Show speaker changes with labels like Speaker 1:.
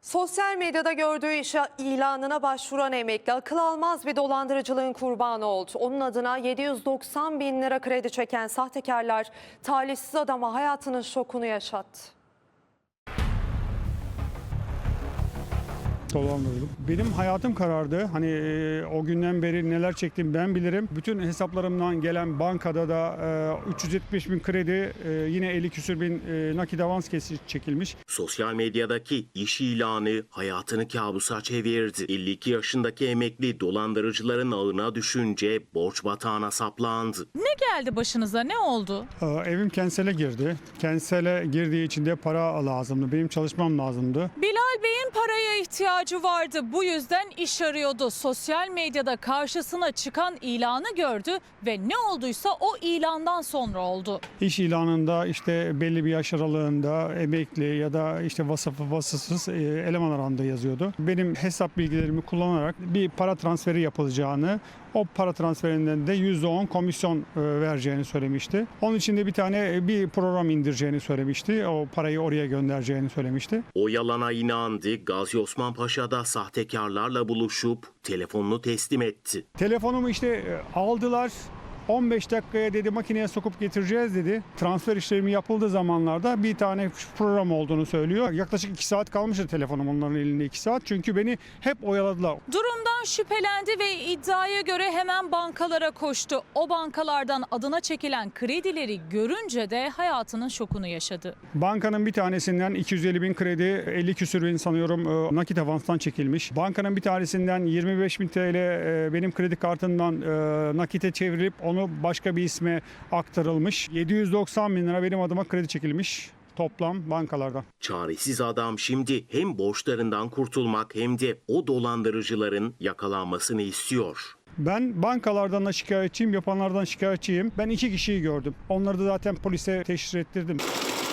Speaker 1: Sosyal medyada gördüğü iş ilanına başvuran emekli akıl almaz bir dolandırıcılığın kurbanı oldu. Onun adına 790 bin lira kredi çeken sahtekarlar talihsiz adama hayatının şokunu yaşattı.
Speaker 2: Dolandırıldım. Benim hayatım karardı. Hani o günden beri neler çektim ben bilirim. Bütün hesaplarımdan gelen bankada da 370 bin kredi, yine 50 küsür bin nakit avans çekilmiş.
Speaker 3: Sosyal medyadaki iş ilanı hayatını kabusa çevirdi. 52 yaşındaki emekli dolandırıcıların ağına düşünce borç batağına saplandı.
Speaker 4: Ne geldi başınıza? Ne oldu?
Speaker 2: Evim kensele girdi. Kensele girdiği için de para lazımdı. Benim çalışmam lazımdı.
Speaker 4: Bilal Bey'in paraya ihtiyacı vardı. Bu yüzden iş arıyordu. Sosyal medyada karşısına çıkan ilanı gördü ve ne olduysa o ilandan sonra oldu.
Speaker 2: İş ilanında işte belli bir yaş aralığında emekli ya da işte vasıflı vasıfsız eleman aranda yazıyordu. Benim hesap bilgilerimi kullanarak bir para transferi yapılacağını, o para transferinden de %10 komisyon vereceğini söylemişti. Onun için de bir program indireceğini söylemişti. O parayı oraya göndereceğini söylemişti.
Speaker 3: O yalana inandı. Gazi Osman Paşa'da sahtekarlarla buluşup telefonunu teslim etti.
Speaker 2: Telefonumu işte aldılar. 15 dakikaya dedi makineye sokup getireceğiz dedi. Transfer işlemi yapıldığı zamanlarda bir tane program olduğunu söylüyor. Yaklaşık 2 saat kalmıştı telefonum onların elinde 2 saat. Çünkü beni hep oyaladılar.
Speaker 4: Durumdan şüphelendi ve iddiaya göre hemen bankalara koştu. O bankalardan adına çekilen kredileri görünce de hayatının şokunu yaşadı.
Speaker 2: Bankanın bir tanesinden 250 bin kredi, 50 küsür bin sanıyorum nakit avanstan çekilmiş. Bankanın bir tanesinden 25 bin TL benim kredi kartından nakite çevrilip onu başka bir isme aktarılmış. 790 bin lira benim adıma kredi çekilmiş toplam bankalardan.
Speaker 3: Çaresiz adam şimdi hem borçlarından kurtulmak hem de o dolandırıcıların yakalanmasını istiyor.
Speaker 2: Ben bankalardan da şikayetçiyim, yapanlardan şikayetçiyim. Ben 2 kişiyi gördüm. Onları da zaten polise teşhis ettirdim.